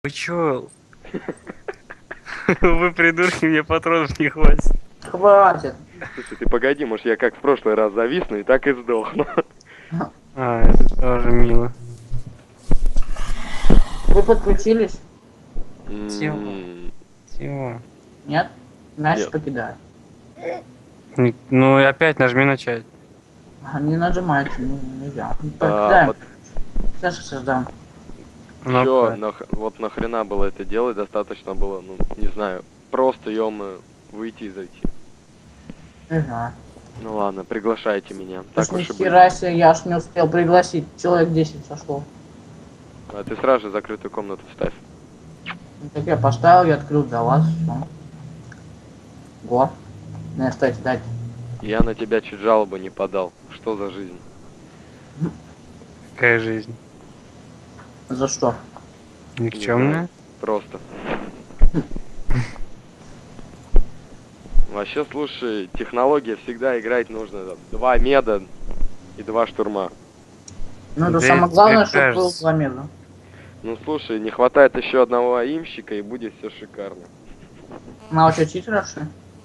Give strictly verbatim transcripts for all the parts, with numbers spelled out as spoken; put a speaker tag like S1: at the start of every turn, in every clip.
S1: Вы чё? Вы придурки, мне патронов не хватит.
S2: Хватит.
S3: Слушай, ты погоди, может я как в прошлый раз зависну и так и сдохну.
S1: А, это тоже мило.
S2: Вы подключились?
S1: Чего?
S3: М,
S1: Чего?
S2: Нет? Значит,
S3: Нет.
S2: покидаю.
S1: Не- Ну и опять нажми начать.
S2: А, не нажимайте, ну, нельзя.
S3: а,
S2: Покидаем.
S3: вот
S2: Сейчас создам.
S1: Ну,
S3: чё,
S1: да.
S3: нах- вот нахрена было это делать, достаточно было, ну, не знаю, просто ё выйти и зайти.
S2: Не знаю.
S3: Ну ладно, приглашайте меня.
S2: Так
S3: Так
S2: ни
S3: уж и быть.
S2: хера себе, я аж не успел пригласить. Человек десять сошло.
S3: А ты сразу же закрытую комнату ставь.
S2: Ну, так я поставил, я открыл для вас. Всё. Го. Не, стойте, дайте.
S3: Я на тебя чуть жалобу не подал. Что за жизнь?
S1: Какая жизнь?
S2: За что?
S1: Никчемная?
S3: Просто. Вообще, слушай, технология всегда играть нужно. там, Два меда и два штурма.
S2: Ну, это
S1: Да
S2: самое
S1: это
S2: главное,
S1: тебе
S2: чтобы был
S1: кажется.
S2: замедлен.
S3: Ну слушай, не хватает еще одного аимщика и будет все шикарно.
S2: Ну, а что, читеров, что ли?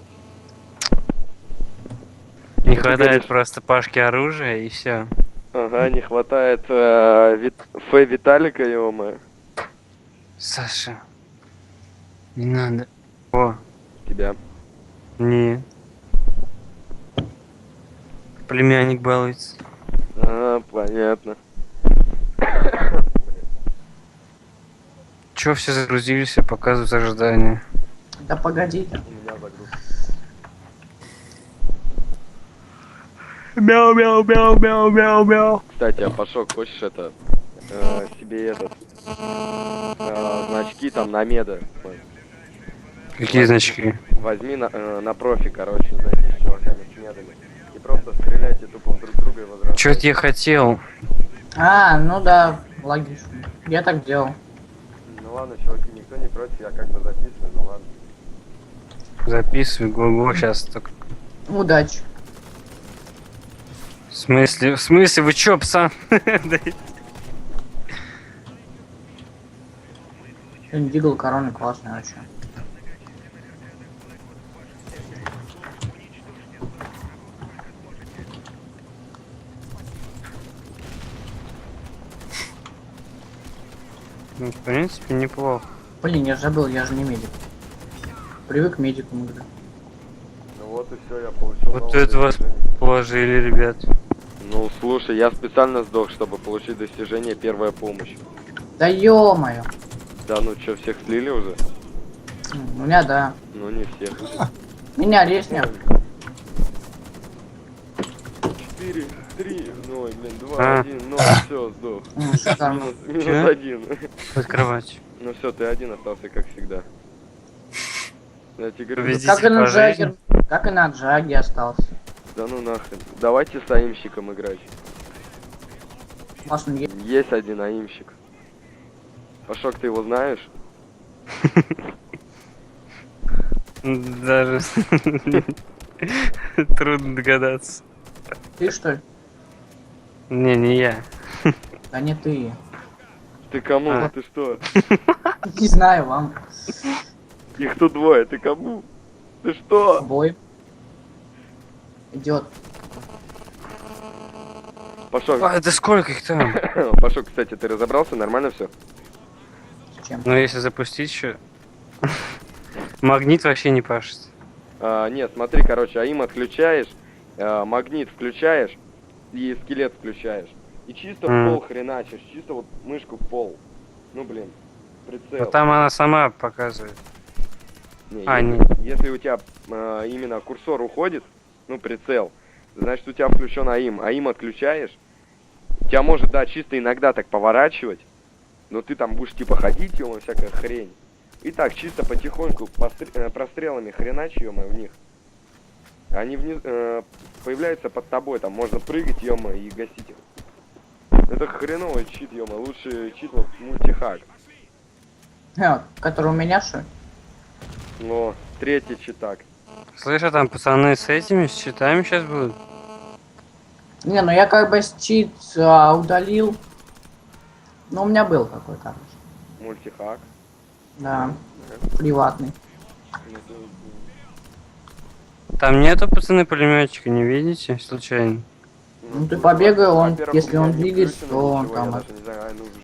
S1: Не
S3: Ты
S1: хватает
S3: говоришь-
S1: просто Пашки оружия и все.
S3: Ага, не хватает э, Вит... Фэ Виталика, ё-моё.
S1: Саша. Не надо. О,
S3: Тебя.
S1: не. Племянник балуется.
S3: А, понятно.
S1: Чё все загрузились и показывают ожидания?
S2: Да погодите.
S3: У меня загруз.
S1: Мяу, мяу, мяу, мяу, мяу, мяу.
S3: Кстати, а Пашок, хочешь это э, себе этот э, значки там на меда?
S1: Какие значки?
S3: Возьми на, э, на профи, короче, зайди с чуваками с медами. И просто стреляйте тупо друг друга и возвращайтесь.
S1: Чё это я хотел?
S2: А, ну да, логично. Я так делал.
S3: Ну ладно, чуваки, никто не против, я как бы записываю, ну ладно.
S1: Записывай, го-го, сейчас так.
S2: Удачи.
S1: В смысле, в смысле, вы чё, пацан? Да
S2: Индигл короны классная вообще.
S1: Ну, в принципе, неплохо.
S2: Блин, я забыл, я же не медик. Привык к медикам играть.
S3: Ну вот и все, я получил
S1: Вот
S3: новое
S1: это вас
S3: достижение.
S1: положили, ребят.
S3: Ну слушай, я специально сдох, чтобы получить достижение первая помощь.
S2: Да ё-моё.
S3: Да ну чё, всех слили уже?
S2: М, У меня да.
S3: Ну не всех.
S2: Меня лестня.
S3: Четыре, три, ноль, блин, два,
S1: А.
S3: один, ноль, все, сдох.
S2: М, шикарно.
S3: Минус, минус
S1: Чё?
S3: один.
S1: Под кровать.
S3: Ну все, ты один остался, как всегда. Я тебе говорю,
S1: Победитель
S2: Как и на
S1: по жизни.
S2: Джаггер. Как и на Джаге остался.
S3: да ну нахрен. Давайте с аимщиком играть.
S2: Классно, е-
S3: Есть один аимщик. Пашок, ты его знаешь?
S1: Даже трудно догадаться.
S2: Ты что ли?
S1: Не, не я.
S2: Да не ты.
S3: Ты кому?
S1: А.
S3: Ты что?
S2: Не знаю, вам.
S3: Их тут двое, ты кому? Ты что?
S2: Бой. Идет.
S3: Пашок,
S1: А, это сколько их там?
S3: Пашок, кстати, ты разобрался? Нормально все?
S2: С чем?
S1: Ну, если запустить еще... Магнит вообще не пашет.
S3: А, нет, смотри, короче, аим отключаешь, а, магнит включаешь и скелет включаешь. И чисто в
S1: М.
S3: пол хреначишь, чисто вот мышку в пол. Ну блин, прицел.
S1: Но там она сама показывает.
S3: Не,
S1: А,
S3: если,
S1: не.
S3: если у тебя а, именно курсор уходит, ну прицел, значит у тебя включен аим. Аим отключаешь, тебя может, да, чисто иногда так поворачивать, но ты там будешь типа ходить, ё всякая хрень. И так, чисто потихоньку постр- э, прострелами хреначь, ё в них. Они вниз, э, появляются под тобой, там можно прыгать, ё и гасить их. Это хреновый чит, ё лучше чит вот мультихак.
S2: Э, который у меня что ли?
S3: Но третий читак.
S1: Слышь, а там пацаны с этими, с щитами сейчас будут?
S2: Не, ну я как бы чит а, удалил. Ну у меня был какой-то.
S3: Мультихак.
S2: Да, приватный.
S3: Ну, то-
S1: Там нету, пацаны, пулеметчика, не видите, случайно?
S2: Ну, ты побегай, он-
S3: во-первых,
S2: если
S3: у меня
S2: он
S3: не
S2: двигается,
S3: включено
S2: то он
S3: ничего, я
S2: там
S3: даже не знаю, а, ну,